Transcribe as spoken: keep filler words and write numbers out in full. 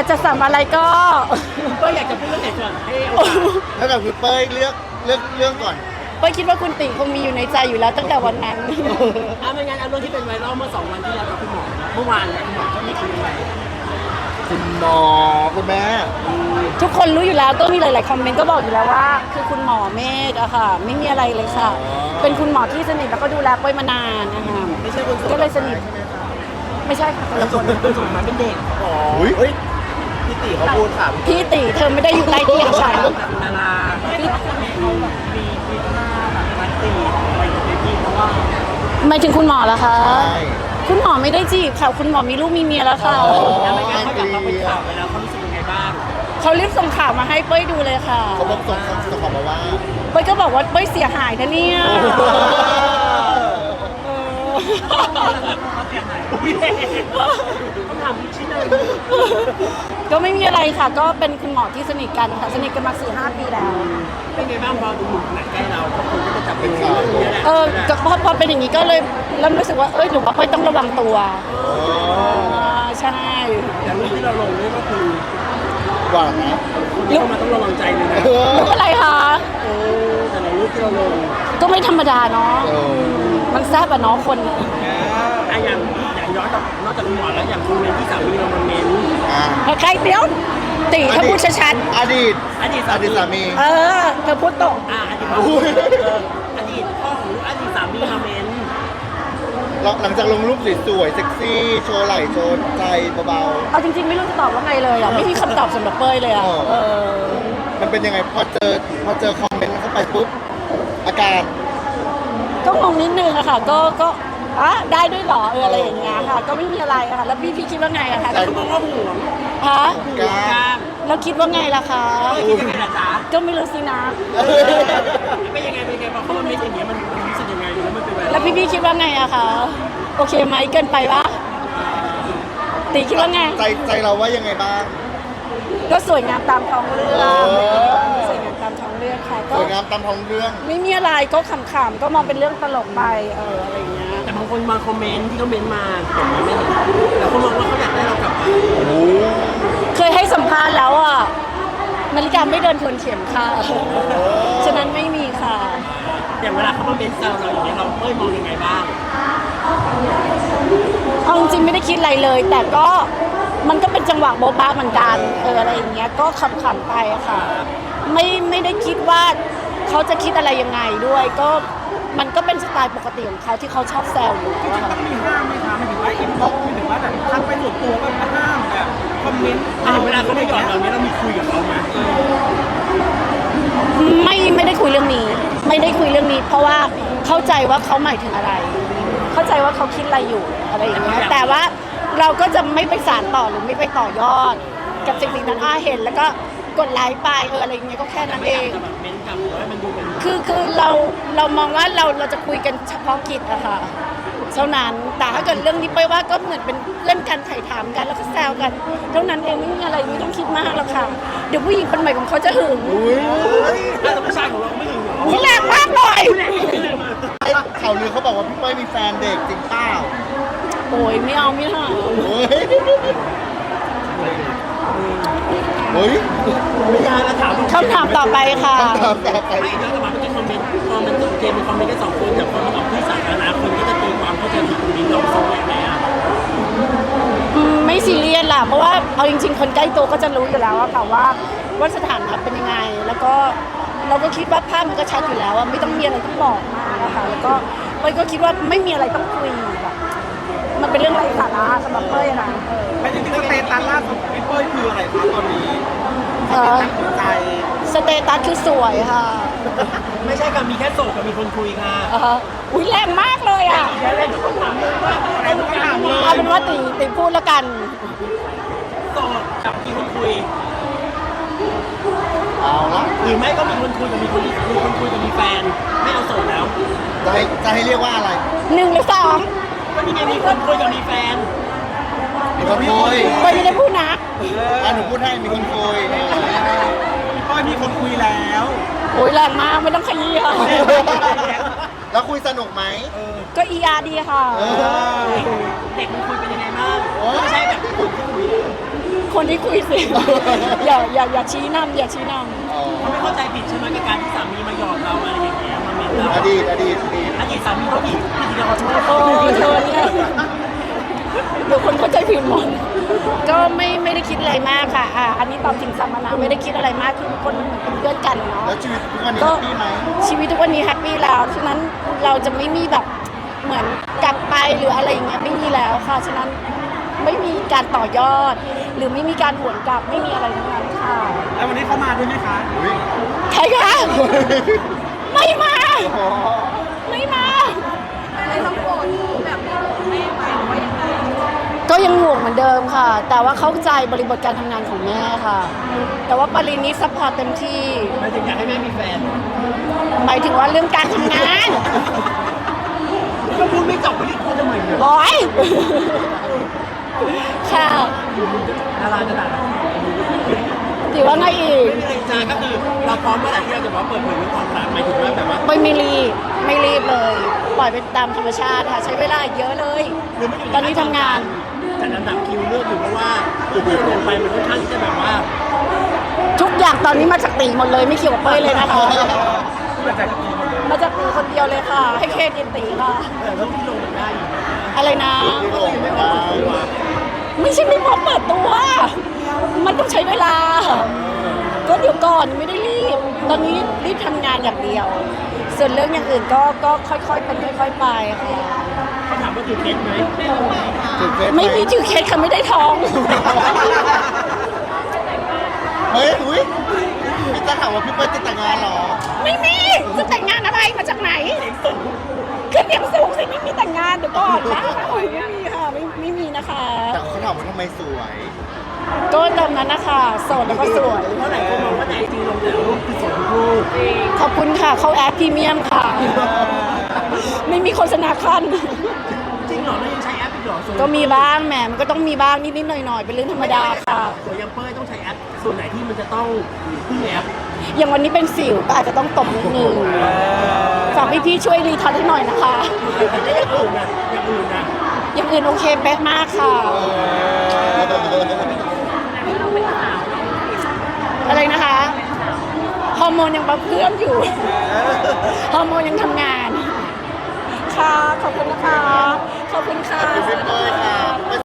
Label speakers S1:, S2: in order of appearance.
S1: จะสั่งอะไรก็
S2: ก็อยากจะพูดเรื่องไหนก่อนให้โอกาส
S3: แล้วกับคือเป้ยเลือกเลือกเรื่องก่อน
S1: เป้ยคิดว่าคุณติคงมีอยู่ในใจอยู่แล้วตั้งแต่วันนั้น
S2: อ่ะไม่งั้นเอาเรื่องที่เป็นไวรัลเมื่อสองวันที่แล้วกับคุณหมอเมื่อวานเนี่ยคุณหมอก็มีคุยอะไร
S3: คุณหมอคุณแม่
S1: ทุกคนรู้อยู่แล้วก็มีหลาย ๆ คอมเมนต์ก็บอกอยู่แล้วว่า คือคุณหมอเมฆอะค่ะ ไม่มีอะไรเลยค่ะ เป็นคุณหมอที่สนิทแล้วก็ดูแลเป้ยมานานนะคะ
S2: ไม่ใช่คนสวย
S1: ก็เลยสนิทไม่ใช่ค่ะคนละคน
S2: คนสวยมาเป็นเด็ก
S3: อุ้ยพี่ติเขาพูดค่ะ
S1: พี่ติเธอไม่ได้อยู่ใต้เตียงฉัน
S2: ดาราพี่เขาแบบมีมีหน้าแบบมันตีไปอยู่ในที่เพราะว่า
S1: หมายถึงคุณหมอเหรอคะ
S3: ใช่
S1: คุณหมอไม่ได้จีบค่ะ คุณหมอมีลูกมีเมียแล้วค่ะ
S3: อ๋อ
S2: แล้วไม่งั้นเขาอยากมาเป็นข่าวไปแล้วเขารู้สึกยังไงบ้าง
S1: เขารีบส่งข่าวมาให้เป้ยดูเลยค่ะ
S3: เขาบอกส่งส่งของมาว่า
S1: เป้ยก็บอกว่าเป้ยเสียหายนะเนี่ยเออ
S2: ต้องถามชิ้นเลย
S1: ก็ไม่มีอะไรค่ะ ก็เป็นคุณหมอที่สนิทกันค่ะ สนิทกันมาสี่ห้าปีแล้ว
S2: เป็นไงบ้างพอดูหนุ่มขนาดใกล้เราคนก็จะจับเป็นข่าวนี้แหละ
S1: เออก็พอพอเป็นอย่างนี้ก็เลยเริ่มรู้สึกว่า เอ้ยหนูว่าเป้ยต้องระวังตัวอ่าใช่
S2: อย่างรูปที่เราลงนี่ก็คือ
S3: หวานนะ
S2: คนที่เข้ามาต้องระวังใจเลยนะ
S3: เออ
S1: รู้อะไรคะ
S2: เออแต่ละรูปที่เราลง
S1: ก็ไม่ธรรมดาเนาะ
S3: เออ
S1: มันแซ่บอะเนาะคน
S2: อ่ะอย่างอย่างย้อนกับนอกจากคุณหมอแล้วอย่างคุณเมนที่สามีเรามาเมน
S3: อ่า
S1: ใครเตี้ยวตีถ้าพูดชัด
S3: อดีต
S2: อดีต
S3: อ
S2: สา
S3: ดี
S2: มี
S3: ตสามี
S1: ๆเออ เธอพูดตรง
S2: อ่ะอดีตพ่อ
S3: อุ้ย
S2: เอออดีตพ่อของอดีตสามีมาเมน
S3: หลังจากลงรูปสวยๆเซ็กซี่ โชว์ไหล่โชว์ใจเบา
S1: เอาจริงๆไม่รู้จะตอบว่าไงเลยอ่ะ ไม่มีคำตอบสำหรับเป้ยเลยอ่ะ
S3: อ๋อ
S1: เออ
S3: ๆ มันเป็นยังไงพอเจอพอเจอคอมเมนต์เข้าไปปุ๊บ อาการ
S1: ก็งงนิดนึงอะค่ะ ก็ก็อ่ะได้ด้วยเหรอเอออะไรอย่างเงี้ยค่ะ ก็ไม่มีอะไรอะค่ะ แล้วพี่พี่คิดว่าไงอะคะ
S2: เขาบอกว่าห่วง
S1: ฮะ
S3: กล้า
S2: กล้าม
S1: แล้วคิดว่าไงล่ะคะ
S2: เออคิดยังไงล่ะจ๊ะ
S1: ก็ไม่รู้สินะ
S2: เป็นยังไงเป็นยังไงพอเขามาเมนอย่างเงี้ยมันมันรู้สึกยังไงแล้วมันเป็นไวรัล
S1: แล้วพี่พี่คิดว่าไงอะคะโอเคไหมเกินไปปะตีคิดว่าไง
S3: ใจใจเราว่ายังไงบ้าง
S1: ก็สวยงามตามท้องเรื่อง
S3: เออ
S1: สวยงามตามท้องเรื่องค่ะ
S3: ส
S1: ก็
S3: วยงามตามท้องเรื่อง
S1: ไม่มีอะไรก็ขำๆก็มองเป็นเรื่องตลกไปเอออะไรอย่างเงี้ย
S2: แต่บางคนมาคอมเมนต์ที่เขาเมนต์มาผมยังไม่เห็นแต่คนมองว่าเขาอยากได้เรากลับมา
S1: เคยให้สัมภาษณ์แล้วอ่ะนาฬิกาไม่เดินทวนเข็มค่ะ ฉะนั้นไม่มีค่ะ
S2: อย่างเวลาเขามาเมนต์แซวเราอย่างเงี้ยเราเอ้ยมองยังไงบ้าง
S1: เอาจริงๆไม่ได้คิดอะไรเลย แต่ก็มันก็เป็นจังหวะโบ๊ะบ้าเหมือนกันเอออะไรอย่างเงี้ยก็ขำๆไปอะค่ะ ไม่ไม่ได้คิดว่าเขาจะคิดอะไรยังไงด้วย ก็มันก็เป็นสไตล์ปกติของเขาที่เขาชอบแซวอยู่แล้วอะค่ะ
S4: มีห้ามไหมคะหมายถึงว่าอินบ็อกซ์หมายถึงว่าแบบทักไปส่วนตัวแบบห้ามแบบคอมเมนต์
S2: อ่ะเวลาเขาไม่หยอดเราเนี้ยเรามีคุยกับเขาไหม
S1: ไม่ไม่ได้คุยเรื่องนี้ ไม่ได้คุยเรื่องนี้ เพราะว่าเข้าใจว่าเขาหมายถึงอะไร เข้าใจว่าเขาคิดอะไรอยู่อะไรอย่างเงี้ยแต่ว่าเราก็จะไม่ไปสานต่อหรือไม่ไปต่อยอด กับสิ่งสิ่งนั้นอ่าเห็นแล้วก็กดไลค์ไปเอออะไรอย่างเงี้ยก็แค่นั้นเอง
S2: แต่แบบเมนต์กลับหรือว่ามันดูเป็น
S1: คือคือเราเรามองว่าเราเราจะคุยกันเฉพาะกิจอะค่ะเท่านั้นแต่ถ้าเกิดเรื่องนี้ไปว่าก็เหมือนเป็นเพื่อนกันถ่ายถามกันแล้วก็แซวกัน เท่านั้นเองไม่มีอะไรไม่ต้องคิดมากหรอกค่ะ เดี๋ยวผู้หญิงคนใหม่ของเขาจะหึง
S3: อุ้ย
S2: ถ้าผู้ชายของเราไม่ถึงหรอ
S1: อุ๊ยแรงมากเลย
S3: ไอ้ข่าวลือเขาบอกว่าพี่เป้ยมีแฟนเด็กจริงเปล่า
S1: โอ้ยไม่เอาไม่เอา
S3: เฮ้ยเฮ้ย
S2: ไม่ยากแล้วถาม
S1: คำถามต่อไปค่ะ
S3: คำถามต่อไป
S2: ไม่แล้วแต่มาเมื่อกี้คอมเมนต์พอมันโอเคเป็นคอมเมนต์แค่สองคนแต่พอมันออกที่สาธารณะคนก็จะตีความเข้าใจผิดตรงนี้เราเขาอย่างไรอ่ะ
S1: อืมไม่ซีเรียสล่ะเพราะว่าเอาจริง ๆ คนใกล้ตัวก็จะรู้อยู่แล้วอะค่ะว่าว่าสถานะเป็นยังไง แล้วก็เราก็คิดว่าภาพมันก็ชัดอยู่แล้วอะไม่ต้องมีอะไรต้องบอกมากนะคะแล้วก็เป้ยก็คิดว่าไม่มีอะไรต้องคุยแบบมันเป็นเรื่องไร้สาระสำหรับเป้ยนะ
S4: ไม่จริงๆสเตตัสล่าสุดของพี่เป้ยคืออะไรคะตอนนี้
S1: เออ
S4: ตั้งหัวใจ
S1: สเตตัสคือสวยค่ะ
S2: ไม่ใช่กับมีแค่โสดกับมีคนคุยค่ะ
S1: เอออุ้ยแรงมากเลยอะ
S2: เดี๋ยวเราจะต้องถามเลยว่าอะไรทุกอย่างเลย
S1: เอาเป็นว่าตีตีพูดแล้วกัน
S2: โสดกับมีคนคุย
S3: เอาละ
S2: หรือไม่ก็มีคนคุยกับมีคนมีคนคุยกับมีแฟนไม่เอาโสดแล้ว
S3: จะให้จะให้เรียกว่าอะไร
S1: หนึ่งหรือสอง
S2: ก็นี่ไงมีคนคุยกับมีแฟน
S3: มีคนคุย
S1: เป้ยไม่ได้พูดนะ
S3: อ่ะหนูพูดให้มีคนคุย
S4: พี่เป้ยมีคนคุยแล้ว
S1: โอ้ยแรงมากไม่ต้องขยี้ค่ะ
S3: แล้วคุยสนุกไหม
S1: ก็อีอาร์ดีค่ะ
S3: เออ
S2: เด็กมันคุยเป็นยังไงบ้าง
S3: โอ้ย
S2: ไม่ใช่แบบคนที่คุย
S1: คนที่คุยสิ อย่าอย่าอย่าชี้นำอย่าชี้น
S3: อ๋อ
S2: เขาไม่เข้าใจผิดใช่ไหมกับการที่สามีมาหยอดเราอะไรอย่างเงี้ยมาเมนเรา
S3: อดีตอดีตอดีต
S2: อดีตสามีเขาผิดผิดที่เราขอโทษ
S1: ำโอ้เธอเนี่ยเดี๋ยวคนเข้าใจผิดหมดก็ไม่ไม่ได้คิดอะไรมากค่ะอ่ะอันนี้ตอบจริงสัมมนาไม่ได้คิดอะไรมากคือคนเหมือนเป็นเพื่อนกันเนาะ
S3: แล้วชีวิตทุกวันนี้
S1: ก็
S3: แฮปปี้ไหม
S1: ชีวิตทุกวันนี้แฮปปี้แล้วฉะนั้นเราจะไม่มีแบบเหมือนกลับไปหรืออะไรอย่างเงี้ยไม่มีแล้วค่ะฉะนั้นไม่มีการต่อยอด หรือไม่มีการหวนกลับไม่มีอะไรทั้งนั้นค่ะ
S4: แล้ววันนี้เขามาด้วยไหมคะ
S3: อุ๊ย
S1: ใครคะไม่มา
S3: อ๋อ
S1: ไม่มา
S5: อะไรต้องโกรธแบบแม่ไปหรือว่ายังไง
S1: ก็ยังห่วงเหมือนเดิมค่ะ แต่ว่าเข้าใจบริบทการทำงานของแม่ค่ะ แต่ว่าปรินิซัพพอร์ตเต็มที่
S2: หมายถึงอยากให้แม่มีแฟน
S1: หมายถึงว่าเรื่องการทำงาน
S2: ก็พูดไม่จบไม่ได้พูดทำไมเนี่ย
S1: ร้อยค่ะ
S2: ดาราจะด่าเรา
S1: ถือว่าไงอีก
S2: ไม่มีอะไรจ้าก็คือเราพร้อมเมื่อไหร่ที่เราจะบอกเปิดเผยเรื่องความรักหมายถึงว่าแบบว่า
S1: ไม่ไม่รีบไม่รีบเลย ปล่อยไปตามธรรมชาติค่ะ ใช้เวลาอีกเยอะเลย
S2: หรือไม่อยู่
S1: ตอนนี้ทำงาน
S2: จัดอันดับคิวเลือกอยู่เพราะว่าตัวที่ลงไปมันค่อนข้างที่จะแบบว่า
S1: ทุกอย่างตอนนี้มาจากตีหมดเลยไม่เกี่ยวกับเป้ยเลยนะคะ
S4: มาจากกี่คนเลย
S1: มาจากตีคนเดียวเลยค่ะ ให้เครดิตตีค่ะ
S2: แต่เรื่องที่ลงมันได้อยู่
S1: อะไรนะ
S3: ที่ลงไม่ได้
S1: ไม่ใช่ไม่พร้อมเปิดตัว มันต้องใช้เวลา ก็เดี๋ยวก่อนไม่ได้รีบ ตอนนี้รีบทำงานอย่างเดียว ส่วนเรื่องอย่างอื่นก็ก็ค่อยๆเป็นค่อยๆไปค่ะ
S2: เขาถามว่าคือเคสไหม
S3: ถึงเฟซห
S1: ไม่มีถือเคสค่ะไม่ได้ท้อง
S3: เฮ้ยอุ้ยพี่จะถามว่าพี่เปิ้ลจะแต่งงานเหรอ
S1: ไม่มี จะแต่งงานอะไรมาจากไหนขึ้นเสียงสูงสิไม่มีแต่งงานเดี๋ยวก่อนนะไม่มีค่ะไม่ไม่มีนะคะ
S3: แต่เขาถามว่าทำไมสวย
S1: ก็ตามนั้นนะคะโสดแล้วก็สวย
S2: เพราะหลายคนมองว่าในไอจีลงแต่ละรูปคือสวยทุกรูป
S1: ขอบคุณค่ะ เขาแอปพรีเมียมค่ะ ไม่มีโฆษณาขั้น
S2: จริงเหรอเรายังใช้แอปอีกเหรอสวย
S1: ก็มีบ้างแหมมันก็ต้องมีบ้างนิดๆหน่อยๆเป็นเรื่องธรรมดาค่ะ
S2: สวยยังเป้ยต้องใช้แอปส่วนไหนที่มันจะต้องพึ่งแอป
S1: อย่างวันนี้เป็นสิวก็อาจจะต้องตบนิดนึงฝากพี่ๆช่วยรีทัชให้หน่อยนะคะ
S2: แต่อย่างอื่นนะอย่างอื่นนะ
S1: อย่างอื่นโอเคเป๊ะมากค่ะ อะไรนะคะ ฮอร์โมนยังปรับเพื่อมอยู่ ฮอร์โมนยังทำงาน ค่ะ ขอบคุณนะคะ ขอบคุณค่ะ
S3: ขอบคุณพี่เป้ยค่ะ